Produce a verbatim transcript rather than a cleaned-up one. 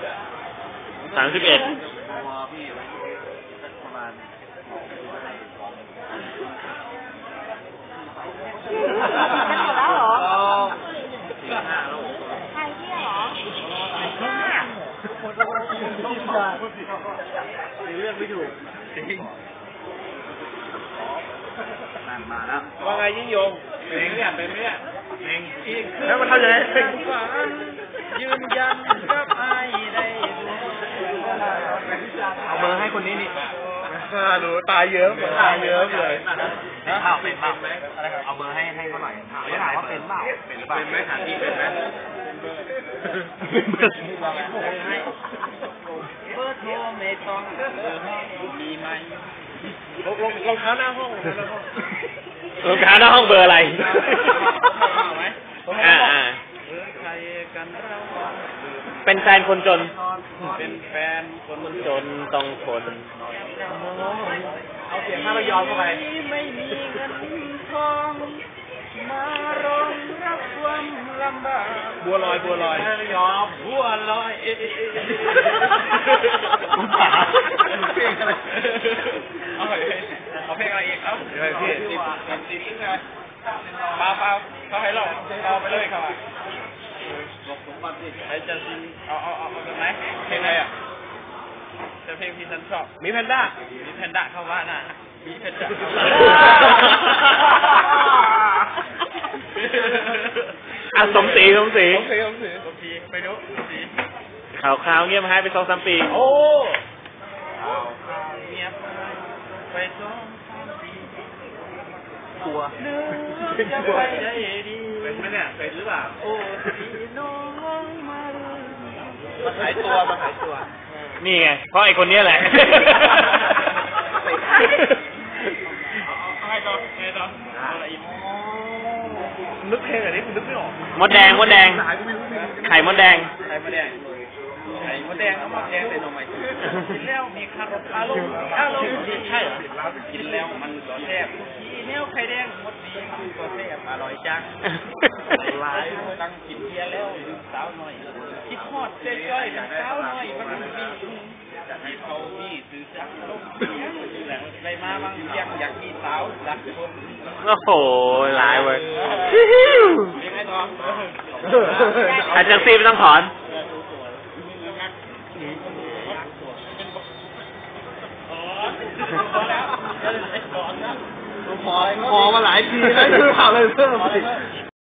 สามสิบเอ็ดประมาณจะหมดแล้วเหรอสี่ห้าโลใครที่เหรอเรื่องไม่ถูกจริงนั่นมาแล้วว่าไงยิ่งยงเพลงเนี่ยเป็นไหมเนี่ยเพลงอีกแล้วมันเท่าไหร่ยืนยันกับไอ้ได้เอาเบอร์ให้คนนี้นี่หนูตายเยอะตายเยอะเลยเป็นเปล่าเป็นเปล่าเอาเบอร์ให้ให้เขาหน่อยเขาถามว่าเป็นเปล่าเป็นเป็นไหมถามพี่เป็นไหมเป็นเบอร์เบอร์โทรไม่ต้องเบอร์มีไหมรองเท้าหน้าห้องรองเท้าหน้าห้องเบอร์อะไรอ่าอ่าเป็นแฟนคนจนเป็นแฟนคนจนต้องทนเอาเสียงท่าระยองเข้าไปไม่มีเงินทองมารองรับความลำบากบัวลอยบัวลอยระยองบัวลอยเอ๊ะคุณป๋าเพลงอะไรเอาไปเอาเพลงอะไรอีกครับเดี๋ยวพี่ติดติดติดยังไงเปล่าเปล่าเขาให้เราเราไปเลยครับบอกผมมาสิไอ้จันทร์เอาเอาเอาเป็นไหมเพลงอะไรอ่ะจะเพลงที่ฉันชอบมีแพนด้ามีแพนด้าเข้าบ้านน่ะมีแพนด้าอ่ะสมศรีสมศรีสมศรีสมศรีสมศรีไปดูสมศรีข่าวข่าวเงียบหายไปสองสามปีโอ้ข่าวข่าวเงียบไปสองสามปีกลัวจะไปได้ดีเป็นไหมเนี่ยเป็นหรือเปล่าโอ้สีน้องมามาขายตัวมาขายตัวนี่ไงเพราะไอ้คนนี้แหละให้ต่อให้ต่ออะไรอีกนึกเพลงอะไรนี่คุณนึกไม่ออกมดแดงมดแดงไข่มดแดงไข่มดแดงไข่มดแดงเอามดแดงใส่หน่อไม้กินแล้วมีคารอทอารมณ์อารมณ์ดีใช่เหรอกินแล้วมันก็แซ่บทีแนวไข่แดงมดดีคือก็แซ่บอร่อยจังหลายตั้งกินเบียร์แล้วดื่มสาวหน่อยคิดฮอดเจ๊จ้อยกับสาวหน่อยมันมีที่เขาพี่ซื้อจักรลมไปมาบางเรื่องอยากมีสาวรักคนโอ้โหหลายเว้ยยังไงต่ออาจารย์ซีไม่ต้องถอนพอพอมาหลายทีแล้วคือข่าวเลยเพิ่ม